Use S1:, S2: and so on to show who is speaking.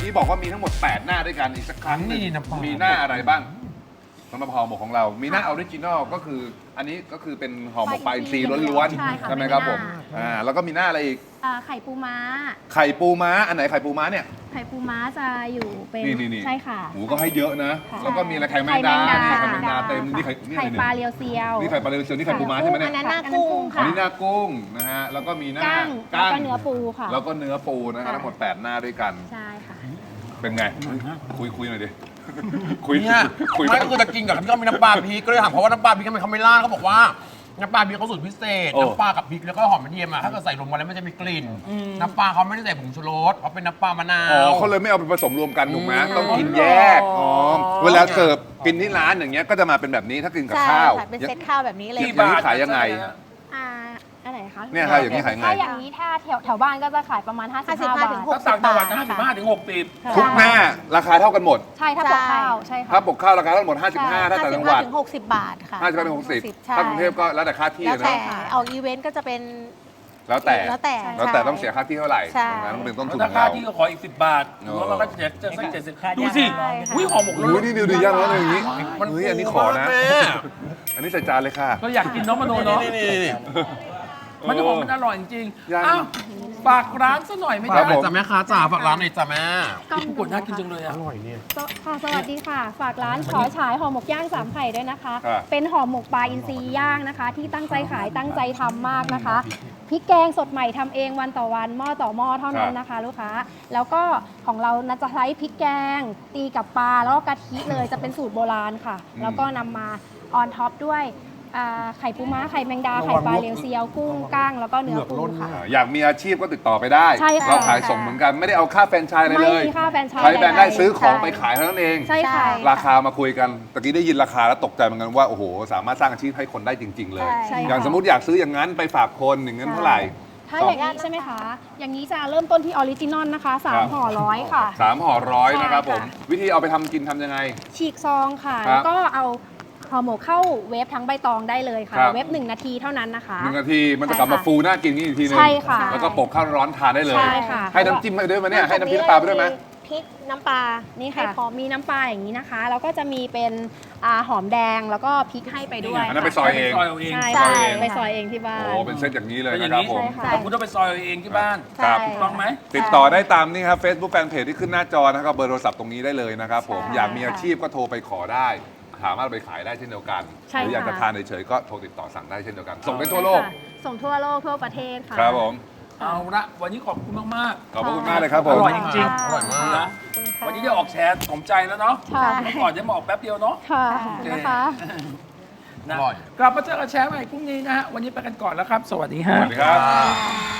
S1: กี้บอกว่ามีทั้งหมด 8 หน้าด้วยกันอีกสักครั้งหนึง
S2: นี่นะพ่อ
S1: มีหน้าอะไรบ้างสำหรับห่อหมกของเรา มีหน้าออริจินอลก็คืออันนี้ก็คือเป็นห่อหมกปลาอินทรีล้วน
S3: ใช่ค่ะ
S1: ๆใช่ไหมครับผม
S3: เป็นหน้า
S1: แล้วก็มีหน้าอะไรอีก
S3: ไข่ปูม้า
S1: ไข่ปูม้าอันไหนไข่ปูม้าเนี่ย
S3: ไข่ปูม้าจะอยู่เป็น
S1: นี่
S3: ใช่ค่ะ
S1: หมูก็ให้เยอะนะ
S3: ค่ะ
S1: แล้วก็มีอะไรไข่แมงดา
S3: ไข่
S1: นี่
S3: แม
S1: ไข่
S3: งดา
S1: แมงดาเต็มนี่ไข่นี่
S3: ไข่
S1: อะไร
S3: ปลา
S1: เนี่ย
S3: เรียวเซียว
S1: นี่ไข่ปลาเรียวเซียวนี่ไข่ปูม้าใช่ไหมเนี่ย
S3: อันนั้นหน้ากุ้ง
S1: อัน
S3: ค่ะ
S1: นี้หน้ากุ้งนะฮะแล้วก็มีหน้า
S3: กั้งแล้วก็เนื้อปูค่ะ
S1: แล้วก็เนื้อปูนะฮะ
S3: ค่ะ
S1: ทั้งหมด 8 หน้าด้วยกัน
S3: ใช่ค่ะ
S1: เป็นไงคุยหน่อยดิคุย
S2: เนี่ย
S1: คุย
S2: ไม่ก็คือจะกินกับที่เขามีน้ำปลาพริกก็เลยถามเขาว่าน้ำปลาพริกทำไมเขาไม่ราดเขาบอกว่าน้ำปลาพริกเขาสูตรพิเศษน้ำปลากับพริกแล้วก็หอมกระเทียมอะถ้าเกิดใส่รวมกันแล้วมันจะมีกลิ่นน้ำปลาเขาไม่ได้ใส่ผงชูรสเขาเป็นน้ำปลามะนา
S1: อ๋อ
S2: ว
S1: เขาเลยไม่เอาไปผสมรวมกันถูกไหมต้องกินแยกอ๋อเวลาเสิร์ฟกินที่ร้านอย่างเงี้ยก็จะมาเป็นแบบนี้ถ้ากินกับ
S4: ใช่
S1: ข้าว
S4: ค่ะเป็นเซตข้าวแบบนี้เลย
S1: อย่างนี้ขายยังไง
S3: อะไรคะ
S1: เนี่ยค่ะอย่างนี้ขายไง
S3: ถ้าอย่างนี้ถ้าแถวบ้านก็จะขายประมาณ 55 บาท
S4: ถึง
S5: ถ้าต่างจังหวัดนะ
S4: 60
S5: 55 ถึง 60
S3: ค่ะ
S1: ทุกหน้าราคาเท่ากันหมด
S3: ใช่ถ้าปกข้าวใช่ค่ะ
S1: ถ้าปกข้าวราคาเท่ากันหมด 55 ถ้าต่างจังหวัด
S4: ถึง60 บาทค่ะ
S1: 55ถึง60
S4: ใช่
S1: ถ้ากรุงเทพก็แล้วแต่ค่าที่
S4: แล้วแต่
S1: นะ
S4: ออกอีเวนต์ก็จะเป็น
S1: แล้วแต่
S4: แล้วแต่
S1: แล้วแต่ต้องเสียค่าที่เท่าไหร่
S4: ใช่
S1: นั้นเป็นต้นทุน
S5: ถ้า
S1: ของ
S5: ค่า
S1: เรา
S5: ที่ก็ขออีก 10 บาทหรือว่ามันก็จะสัก70ดูสิ
S3: ใช่ค่ะ
S5: อุ้ยห่อหมก
S1: โอ้ยนี่ดูย่างแล้วอย่างนี้
S2: มัน
S1: เฮ้ยอันนี้ขอนะ
S2: แม่
S1: อันนี้ใส่จานเลยค่ะ
S5: เราอยากกินเน้องมโนเนาะ
S2: นี่
S5: มันจะบอกมันอร่อยจริง
S1: ย่าง
S5: ๆอ้าวฝากร้านซะหน่อยไหม
S1: ครั
S5: จ๊ะ
S1: บผม
S2: จ้ะแม่ค้าจ๋าฝากร้านหน่อยจ้ะแม่
S5: ผู้กดน่ากินจังเลยอ่ะ
S3: ค่ะสวัสดีค่ะ ฝากร้านขอฉายห่อหมกย่าง3ไข่ด้วยนะคะ
S1: ครับ
S3: เป็นห่อหมกปลาอินทรีย่างนะคะ ที่ตั้งใจขายตั้งใจทำมากนะคะพริกแกงสดใหม่ทำเองวันต่อวันหม้อต่อหม้อเท่านั้นนะคะ ลูกค้าแล้วก็ของเราจะใช้พริกแกง ตีกับปลาแล้วก็กะทิเลยจะเป็นสูตรโบราณค่ะ แล้วก็นำมาออนท็อปด้วยไข่ปูม้าไข่แมงดาไข่ปลาเรียวเซียวกุ้งก้างแล้วก็เนื้อปูค่ะ
S1: อยากมีอาชีพก็ติดต่อไปได้
S3: ใช่ค่ะ
S1: เราขายส่งเหมือนกันไม่ได้เอาค่าแฟรนไชส์อะไร
S3: ไม่
S1: เลย
S3: มีค่าแฟรนไชส์
S1: ใช้แบรนด์ได้
S3: ใดๆ
S1: ซื้อของ
S4: ใช่
S1: ไปขายเท่านั้นเอง
S3: ใช่ค่ะ
S1: ราคามาคุยกันตะกี้ได้ยินราคาแล้วตกใจเหมือนกันว่าโอ้โหสามารถสร้างอาชีพให้คนได้จริง ๆ เลย
S3: ใช่
S1: อย่าง
S3: ค่ะ
S1: สมมติอยากซื้ออย่างนั้นไปฝากคนอย่างนั้นเท่าไหร่
S3: ถ้าอย่างนี้ใช่ไหมคะ อย่างนี้จะเริ่มต้นที่ออริจินอลนะคะ
S1: ครับ
S3: 3 ห่อร้อยค่ะ
S1: 3 ห่อร้อยนะครับผม
S3: ใช่ค่ะ
S1: วิธีเอาไปทำกินทำยังไง
S3: ฉีกซองค่ะ
S1: ครับ
S3: แล้วก็เอาห่อหมกเข้าเวฟทั้งใบตองได้เลยค่ะ
S1: ครับ
S3: เวฟ1 นาทีเท่านั้นนะคะ
S1: 1 นาทีมันจะกลับมาฟูน่ากินนี่อีกทีนึง
S3: ใช่ค่ะ
S1: แล้วก็โปกข้าวร้อนทานได้เลย
S3: ใช่ค่ะ
S1: ให้น้ำจิ้มไปด้วยไหมเนี่ยให้น้ำพริกน้ำปลาไปด้วยไหม
S4: พริกน้ำปลา
S3: นี่
S4: ให้
S3: ค่ะ
S4: พร้อม
S3: มีน้ำปลาอย่างนี้นะคะ แล้วก็จะมีเป็นหอมแดงแล้วก็พริกให้ไปด้วย
S1: อันนั้นไปซอยเอง
S5: ซอยเอาเอง
S3: ใช่
S4: ใช่
S3: ไปซอยเองที่บ้าน
S1: โอ้เป็นเซตอย่างนี้เลย
S5: เป็นอ
S1: นะ
S5: ย่าง
S1: ครับ
S5: นี้
S1: ผม
S3: ใช่ค่ะ
S5: แต่คุณต้องไปซอยเอาเองที่บ้าน
S1: ครับ
S4: ใช่
S5: ถูกต้องไหม
S1: ติดต่อได้ตามนี่ครับ Facebook Fanpage ที่ขึ้นหน้าจอนะครับเบอร์โทรศัพท์ตรงนี้ได้เลยนะครับผม
S3: ใช่
S1: อยากมีอาชีพก็โทรไปขอได้สามารถเอาไปขายได้เช่นเดียวกัน
S3: ใช่
S1: หรืออยากจะ
S3: ค่ะ
S1: ทานเฉยๆก็โทรติดต่อสั่งได้เช่นเดียวกัน ส่งได้ทั่วโลก
S3: ค่ะส่งทั่วโลกทั่วประเทศค่ะ
S1: ครับผม
S5: เอาละวันนี้ขอบคุณมาก
S1: ขอบพระคุณมากเลยครับผ
S5: ๆอ
S1: ม
S5: ร่อยจริง
S2: อร่อยมาก
S5: ๆนะวันนี้ได้ออกแชร์สมใจแล้วเนาะ
S3: ค่ะ
S5: เมื่อก่อนจะมาออกแป๊บเดียวเนาะ
S3: ค่ะ
S5: โอเค
S3: นะคะ
S5: นะ
S2: อร่อย
S5: กลับมาเจอกันแชร์ใหม่พรุ่งนี้นะฮะวันนี้ไปกันก่อนแล้วครับ สวัสดี
S1: ส
S5: ฮะ
S1: วัสดีครับ